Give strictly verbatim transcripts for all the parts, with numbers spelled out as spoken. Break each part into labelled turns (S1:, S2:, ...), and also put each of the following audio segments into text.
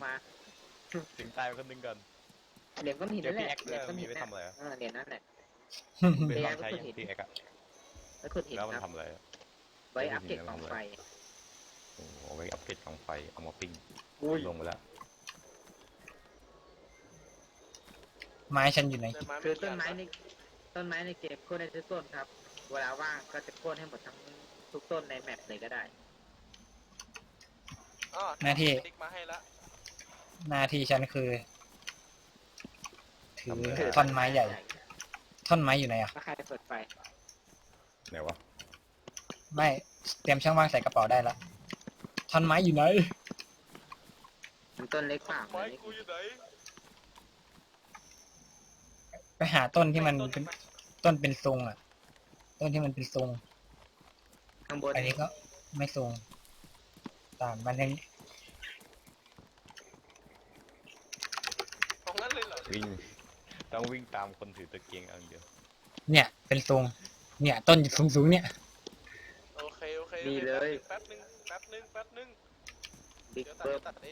S1: มา
S2: ถึงตายคนหนึ่งก่อน
S1: เหรียญก้อนหินนั่นแหละ
S2: เหรียญก้อนหินไปทำอะไร
S1: เออเหรียญนั่นแหละ
S2: เป็นลองใช้ยังพีเอ็กอะ
S1: แล้วขุดหิน
S2: แล้วมัน
S1: ครับ
S2: ทำอะไร
S1: ไว้อัปเกรดกองไฟ
S2: โอ้เอาไว้อัปเกรดกองไฟเอามาปิ้งลงไปแล้ว
S3: ไม้ฉันอยู่ไหน
S1: คือต้นไม้ในต้นไม้ในเกมโค่นได้ทุกต้นครับเวลาว่างก็จะโค่นให้หมดทั้งทุกต้นในแมปเลยก็ได้
S3: หน้าที่
S4: มาให้ละ
S3: หน้าที่ฉันคือถือ
S2: ทำอะไร
S3: ท่อนไม้ใหญ่ ท่อนไม้อยู่ไหนอ่ะ
S1: ถ้าใครเปิดไฟ
S2: ไหนวะ
S3: ไม่เตรียมช่องว่างใส่กระเป๋าได้ละท่อนไม้อยู่ไหน
S1: มันต้นเล็กเปล่า
S4: ไม้กูอยู่ไหน
S3: ไปหาต้นที่มันเป็นต้นเป็นทรงอ่ะ ต้นที่มันเป็นทรง
S1: ข้างบน
S3: อันนี้ก็ไม่ทรงตามมันยัง
S4: ตรงนั้นเลยเหรอ
S2: วิ่งต้องวิ่งตามคนถือตะเกียงเอาอย่างเดียว
S3: เนี่ยเป็นทรง เนี่ยต้นสูงสูงๆเนี่ย
S4: โอเคโอเค
S1: ดีเลย
S4: แป๊บนึงแป๊บนึงแป๊บนึง
S1: บิ๊ก
S4: เดี๋ยวตัด
S1: เบิร์
S4: เดี๋ยวตัดเอง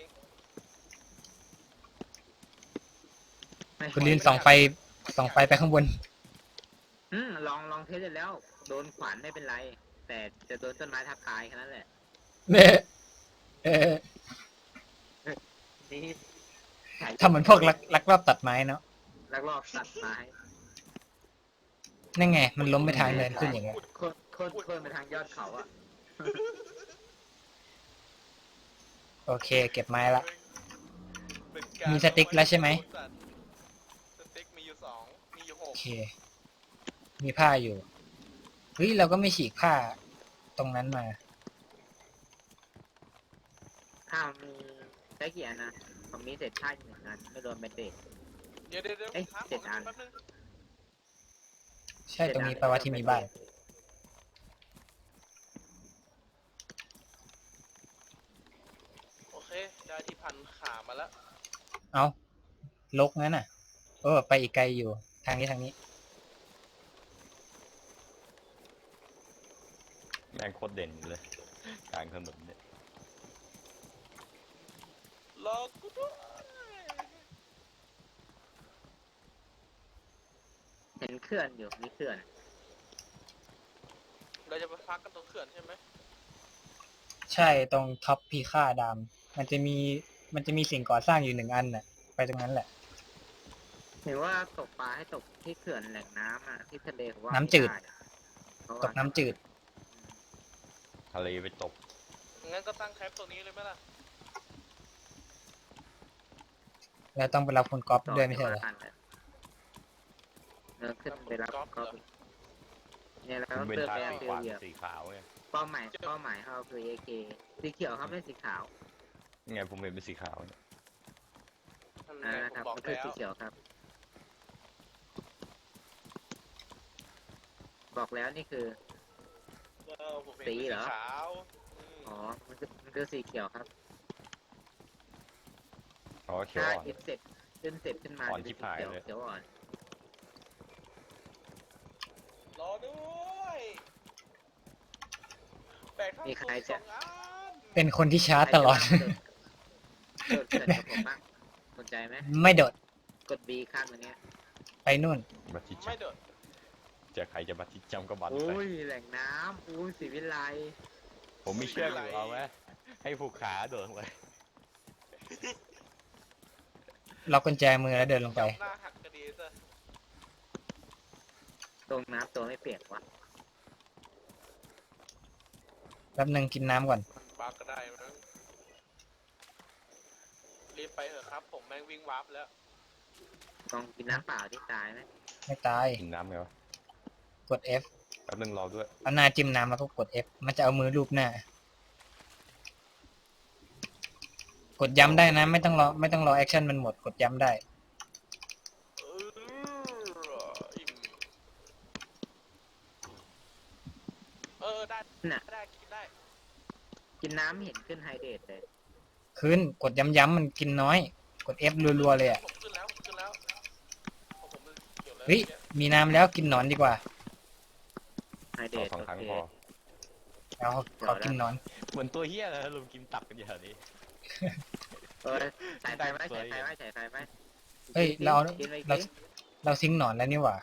S3: คุณลินส่องไฟส่องไฟไปข้างบน
S1: อืมลองลองเทสเสร็จแล้ว โดนขวานไม่เป็นไร แต่จะโดนต้นไม้ทับตายแค่นั้นแหละ
S3: เนี่ยเออ
S1: นี่
S3: ทำเหมือนพวกลักลักลอบตัดไม้เนาะ
S1: ลักลอบตัดไม้
S3: นั่นไง มันล้มไปทางเนินขึ้นอย่างเงี้ย
S1: โค่นโค่นโค่นไปทางยอดเขาอ่ะ
S3: โอเค เก็บไม้ละ
S4: เป็นการ
S3: มีสติ๊กแล้วใช่ไหม
S4: สติ๊กมีอยู่สองมีอยู่ห
S3: โอก เค มีผ้าอยู่ เฮ้ย เราก็ไม่ฉีกผ้าตรงนั้นมา
S1: ถ้ามีใช้กี่อันนะผมมีเศษผ้าอยู่หนึ่งอันไม่รวมเป็นเศษ
S4: เดี๋ยวเดี๋ยวเดี๋ยว
S1: เอ๊ะ
S4: ครับ
S1: เจ็ดอัน
S4: แป๊บนึง
S3: ใช่ตรงนี้แปลว่าที่มีบ้าน
S4: โอเคได้ที่พันขามาแล้ว
S3: เอาลกงั้นน่ะเออไปอีกไกลอยู่ ทางนี้ทางนี้
S2: แม่งโคตรเด่นเลยกลางถนนเนี่ย
S4: รอกูด้วย
S1: เห็นเขื่อนอยู่มีเขื่อน
S4: เราจะไปพักกันตรงเขื่อนใช่ไหม
S3: ใช่ตรงท็อปพีค่าดามมันจะมีมันจะมีสิ่งก่อสร้างอยู่หนึ่งอันน่ะ ไปตรงนั้นแหละ
S1: เห็นว่าตกปลาให้ตกที่เขื่อนแหล่งน้ำอ่ะที่ทะเลเขาว่า
S3: น้ำจืด
S1: ไม่ไเพราะว่า
S3: ตกน้ำจืด
S2: ทะเลไปตก
S4: งั้นก็ตั้งแคมป์ตรงนี้เลยไหมล่ะ
S3: แล้วต้องไปรับคุณก๊อฟ
S1: ต่อ
S3: ด้วยไม่ใช่เหรอ
S1: ว่ากันเลยเออขึ้นไปรับ
S4: ก๊อฟ
S1: ก็
S4: เหรอ
S1: เนี่ยแล้ว
S2: มันเป็น
S1: เติม
S2: ทาง
S1: ไป
S2: สี
S1: เติ
S2: ขวาม
S1: เหยียบ
S2: สีขาวไง
S1: เป้าหมายเป้าหมายเขาคือเอเคสีเขียวครับไม่สีขาว
S2: ไงผมเห็นเป็นสีขาวเนี่ย
S4: นั่น
S1: อ่า
S4: ไง
S1: ครับ
S4: ผมบอก
S1: ก็คือ
S4: แล้ว
S1: สีเขียวครับ บอกแล้วนี่คือ
S4: เออผมเห็น
S1: สี
S4: เป็น
S1: เหรอ
S4: ขาวม
S1: อ๋อมันคือมันคือสีเขียวครับ
S2: อ๋อเขียว
S1: ถ้า
S2: อ่อน
S1: เอฟเสร็จขึ้นเสร็จขึ้นมา
S2: อ่อน
S1: จะ
S2: ชิ
S1: เป็น
S2: บหาย
S1: สีเขียว
S2: เลย
S1: เขียวอ่อน
S4: รอด้วยแบกทั้ง
S1: มีใครจะ
S4: สองอัน
S3: เป็นคนที่ช้าตลอด
S1: โดดเกิดกับผมบ้างสนใจไหม
S3: ไม่โดด
S1: กด B ข้างตรงเนี้ย
S3: ไปนู่น
S2: บัตรจิ
S4: ไม่
S2: จ
S4: โดด
S2: ำจะใครจะบัตรจิจำก็บัตรไป
S1: อุ้ยแหล่งน้ำอุ้ยสีวิไล
S2: ผมมีเชือกอยู่เอาไหมให้ผูกขาโดดลงไป
S3: ล็อกกุญแจมือแล้วเดินลงไป
S4: จับหน้าหักกระดีซะ
S1: ตรงน้ำตัวไม่เปียกวะ
S3: แป๊บนึงกินน้ำก่อน
S4: มันบักก็ได้มั้งรีบไปเถอะครับ ผมแม่งวิ่งวาร์ปแล้ว
S1: ลองกินน้ำเปล่าที่ตายไหม
S3: ไม่ตาย
S2: กินน้ำไงวะ
S3: กด F
S2: แป๊บนึงรอด้วย
S3: เอาหน้าจิ้มน้ำแล้วก็กด F มันจะเอามือลูบหน้า กดย้ำได้นะ ไม่ต้องรอไม่ต้องรอแอคชั่นมันหมด กดย้ำได้
S4: เอออิ่มเออได้
S1: น่ะ
S4: ได้กินได้
S1: กินน้ำเห็นขึ้นไฮเดรตเลย
S3: ขึ้น กดย้ำๆมันกินน้อย กด F รัวๆเลยอ่ะ
S4: ผมขึ้นแล้วผมขึ้นแล้วผมผมเกี่ยวแล้ว
S3: เฮ้ย มีน้ำแล้วกินหนอนดีกว่า
S1: ไฮเดร
S2: เอา
S1: ต
S2: สอง
S1: โอ
S2: ครั้ง
S1: เค
S2: พอ
S3: เอาขอกินหนอน
S2: เหมือนตัวเฮี้ยเลยลุมกินตับกันอย่างนี้
S1: เออใส่ไฟไว้ใส่ไฟไว้ใส่ไฟไว้
S3: เฮ้ยเรา
S1: กินไป
S3: เรา
S1: กิน
S3: เราซิงค์หนอนแล้วนี่หว่า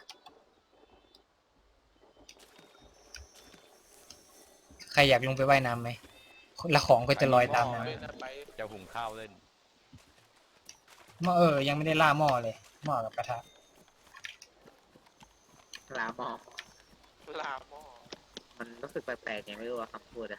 S3: ใครอยากลงไปว่ายน้ำไหมแล้วของก็จะลอยตามน้
S4: เล่นนะไป
S2: จะหุงข้าวเล่น
S3: ำหม้อเออ ยังไม่ได้ล่าหม้อเลย หม้อกับกระทะ
S1: ลาหมอก
S4: ลาหม้อ
S1: มันรู้สึกแปลกๆยังไม่รู้ว่าคำพูดอะ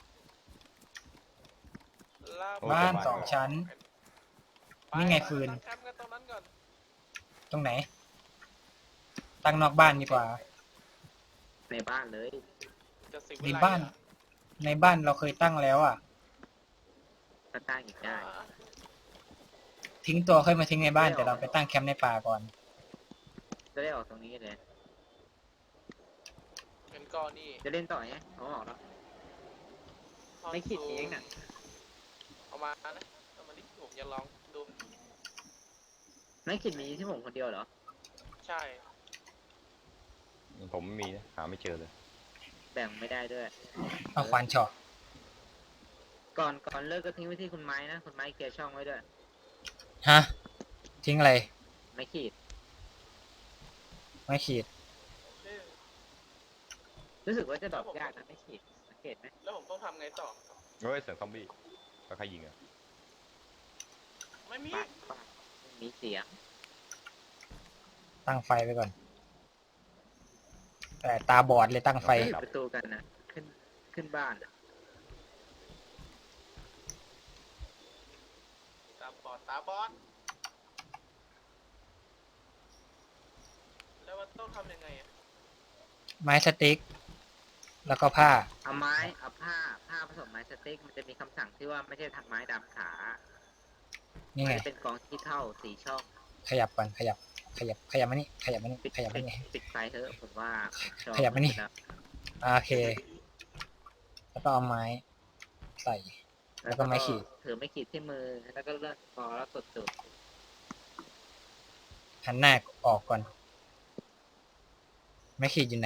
S4: ลาหม้
S3: บ้านสองชั้น นี่ไงฟืน
S4: ตั้งแคมป์กันตรงนั้นก่อน
S3: ตรงไหน ตั้งนอกบ้านดีกว่า
S1: ในบ้านเลย
S4: จะสิบ
S3: ในบ้าน ในบ้านเราเคยตั้งแล้วอ่ะ
S1: ก็ตั้งอีกได้
S3: ทิ้งตัวค่อยมาทิ้งในบ้านแต่เราไปตั้งแคมป์ในป่าก่อน
S1: จะได้ออกตรงนี้เลย
S4: เป็นก้อนนี่
S1: จะเล่นต่อไงเขาออกแล้วไม่คิดเองน่ะ
S4: เอามานะเอามาดิผมจะลองดู
S1: ไม่คิดมีที่ผมคนเดียวเหรอ
S4: ใช่
S2: ผมไม่มีนะหาไม่เจอเลย
S1: แบ่งไม่ได้ด้วย
S3: เอาควานเฉาะ
S1: ก่อนก่อนเลิกก็ทิ้งไว้ที่คุณไม้นะคุณไม้เกียร์ช่องไว้ด้วย
S3: ฮะ ทิ้งอะไร
S1: ไม่ขีด
S3: ไม่ขีด
S4: เอ๊ะ
S1: รู้สึกว่าจะดรอกยากนะไม่ขีดสังเกตไหม
S4: แล้วผมต้องทำไงต่อ
S2: เฮ้ยเสียงซอมบี้แล้วใครยิงอ่ะ
S4: ไม่มี
S1: ปากปากมีเสียง
S3: ตั้งไฟไปก่อน แต่ตาบอดเลยตั้งไฟ
S1: ปิดประตูกันนะขึ้นขึ้นบ้านอะ
S4: ตาบอดตาบอดแล้วมันต้องทำยังไงอะ
S3: ไม้สติ๊ก แล้วก็ผ้า
S1: เอาไม้เอาผ้าผ้าผสมไม้สติ๊กมันจะมีคำสั่งที่ว่าไม่ใช่ทำไม้ดำขา
S3: นี่ไง
S1: มันจะเป็นกองที่เท่าสี่ช่อง
S3: ขยับก่อน ขยับ ขยับ ขยับมานี่ ขยับมานี่
S1: ปิด
S3: ขยับ
S1: ปิ
S3: มา
S1: ด
S3: นี่
S1: ปิดไฟเถอะผมว่าจอ
S3: ขยับมานี่
S1: แล้ว
S3: โอเค แล้วก็เอาไม้ ใส่ แล้วก็ไม้ขีด
S1: ถือไม่ขีดที่มือแล้วก็เลื่อนคอแล้วกดจุด
S3: หันหน้าออกก่อน ไม้ขีดอยู่ไหน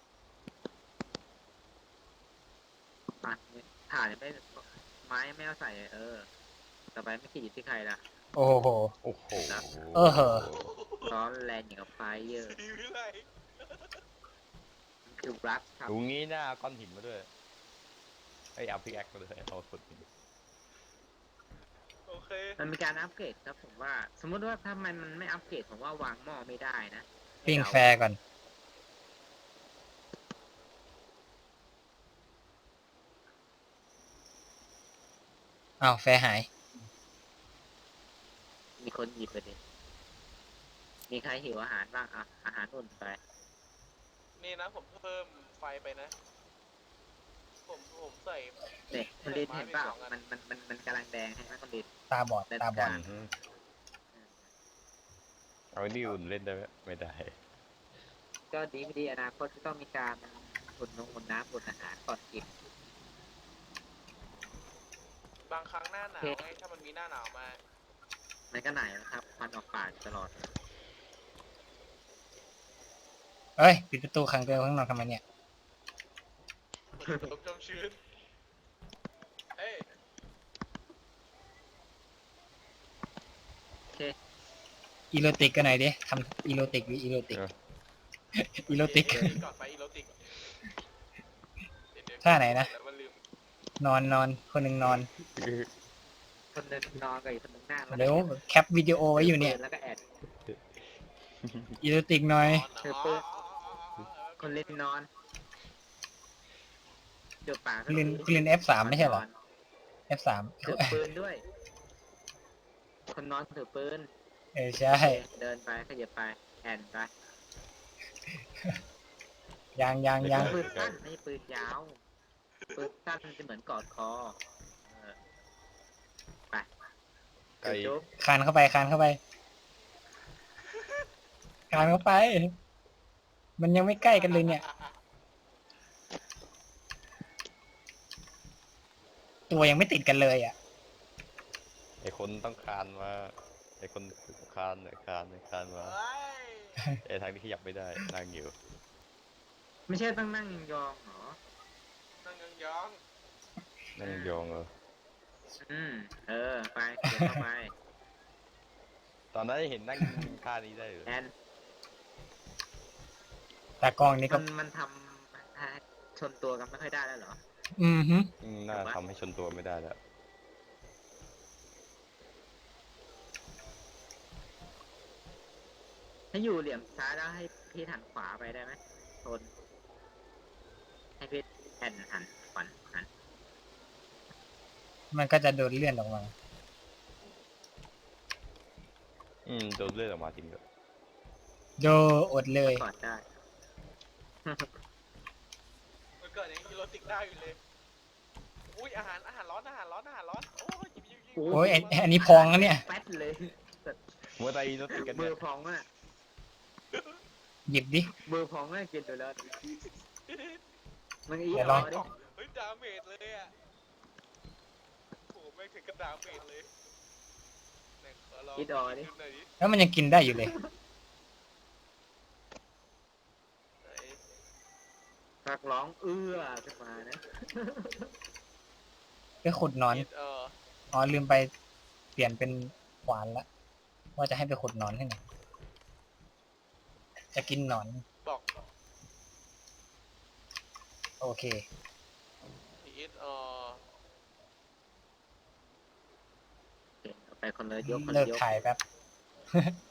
S1: อ่ะถ่านยังไม่ไม้ไม่เอาใส่เออต่อไปไม่ขีดอยู่ที่ใครล่ะ
S3: โอ้โห
S2: โอ้โห
S3: เออเหอะ
S1: ร้อนแรงอย่างกับไฟเยอะ
S4: สีวิไล
S1: มันคือรักครับ
S2: ดูงี้หน้าก้อนหินมาด้วยไอ้ยเอาพิกแอคมาด้วยเอาสุดหิน
S4: โอเค
S1: มันมีการอัปเกรดครับผมว่า สมมติว่าถ้ามันมันไม่อัปเกรดผมว่าวางหม้อไม่ได้นะ
S3: ปิ้งแฟร์ก่อน อ้าว แฟร์หาย
S1: มีคนหยิบไปดิมีใครหิวอาหารบ้างอ่ะอาหารอุ่นไป
S4: นี่นะผมเพิ่มไฟไปนะ ผมผมใส่
S1: เนี่ยคนดินเห็นเปล่ามันมันมันมันกำลังแดงใช่ไหมคนดิน
S3: ตาบอด ตาบอด
S2: อือฮึเอาไอ้นี่อุ่นเล่นได้ไหมไม่ได้
S1: ก็ดีไม่ดีอนาคตจะต้องมีการอุ่นนงอุ่นน้ำอุ่นอาหารก่อนกิน
S4: บางครั้งหน้าหนาวไงถ้ามันมีหน้าหนาวมา
S1: มันก็ไหนนะครับควันออกปากตลอด
S3: เอ้ย ปิดประตูขังตัวเองข้างนอกทำไมเนี่ย
S4: ผมจมชื้นเอ้ย
S1: โอเค
S3: อีโรติกกันหน่อยดิทำอีโรติกหรืออีโรติก
S2: เออ
S3: อีโรติก
S4: เดี๋ยวก่อนไปอีโรติกเดี๋ยวๆ
S3: ท่าไหนนะ
S4: แล้วมันลืม
S3: นอนนอนคนหนึ่งนอน
S1: คนหนึงนอนกับอีกคนหนึงนั่งแล้ว
S3: เดี๋ยวแคปวิดีโอไว้อยู่เนี่ย
S1: แล้วก็แอด
S3: อีโรติกหน่อย
S1: เธอเปิด คนเล่นนอนจุดปาก
S3: คุณเรียนคุณเรียน เอฟ สาม ไม่ใช่เหรอ เอฟ สาม
S1: ถือปืนด้วย คนนอนถือปืน
S3: เออใช่
S1: เดินไปขยับไปแอนไป
S3: ยังยังยัง
S1: ปืนสั้นไม่ใช่ปืนยาวปืนสั้นมันจะเหมือนกอดคอเออไป
S2: ไอ้
S1: จุ๊บ
S3: คานเข้าไปคานเข้าไปคานเข้าไป มันยังไม่ใกล้กันเลยเนี่ย ตัวยังไม่ติดกันเลยอ่ะ
S2: ไอ้คนต้องคานมาไอ้คนคานเนี่ยคานเนี่ยคานมา
S4: เฮ้ย
S2: ไอ้ทางที่ขยับไม่ได้นั่งอยู่
S1: ไม่ใช่ต้องนั่งยองๆเหรอ
S4: นั่งยอง
S2: นั่งยองเออ
S4: ๆ
S1: อืมเออไปเก็บเข้าไป
S2: ตอนนั้นเห็นนั่งท่านี้ได้เลย
S1: แอน
S3: แต่กล้องนี้ก็
S1: มันมันทำมันทำชนตัวกันไม่ค่อยได้แล้วเหรอ
S3: อือฮึ
S2: อืมน่าทำให้ชนตัวไม่ได้แล้ว
S1: ถ้าอยู่เหลี่ยมซ้ายแล้วให้พี่หันขวาไปได้ไหมชนให้พี่แอนหันขวัญหัน
S3: มันก็จะโดนเลื่อนออกมา
S2: อืมโดนเลือดออกมาจริงเลย
S3: โดอดเลย
S1: กอดได้
S4: เมื่อก่อนยังกินโรติกได้อยู่เลย อุ้ยอาหารอาหารร้อนอาหารร้อนอาหารร้อน โอ้ยหยิบหยิบหยิบ
S3: โอ้ยไอ้อันนี้พองแล้วเนี่ย
S1: แป๊ดเลย
S2: มัวแต่อีโนติดกัน
S1: มื
S2: เนี่
S1: อย พองอ่ะ
S3: หยิบดิ
S1: มือพองอ่ะกินไปแล้วมันอี
S3: เดี๋ยว
S1: ร
S3: ล
S1: อ
S3: อง
S1: ดิ
S4: เฮ้ยดาเมจเลยอ่ะโอ้ไม่ถึงกับดาเมจเลยไหนขอลอง
S1: อีดอดิ
S4: ดูหน่อยดิ
S3: แล้วมันยังกินได้อยู่เลย
S4: ไหน
S1: สักร้องเอื้อขึ้นมานะ
S3: ไปขุดหนอน
S4: อีดเออ
S3: อ๋อลืมไปเปลี่ยนเป็นขวานละ ว่าจะให้ไปขุดหนอนให้หน่อยจะกินหนอน
S4: บอก
S3: โอเค
S4: อีดเออ
S1: โอเคเอาไปคนละยกคน
S3: เลิ
S1: ละ
S3: ก
S1: ยก
S3: ถ่ายแป๊บ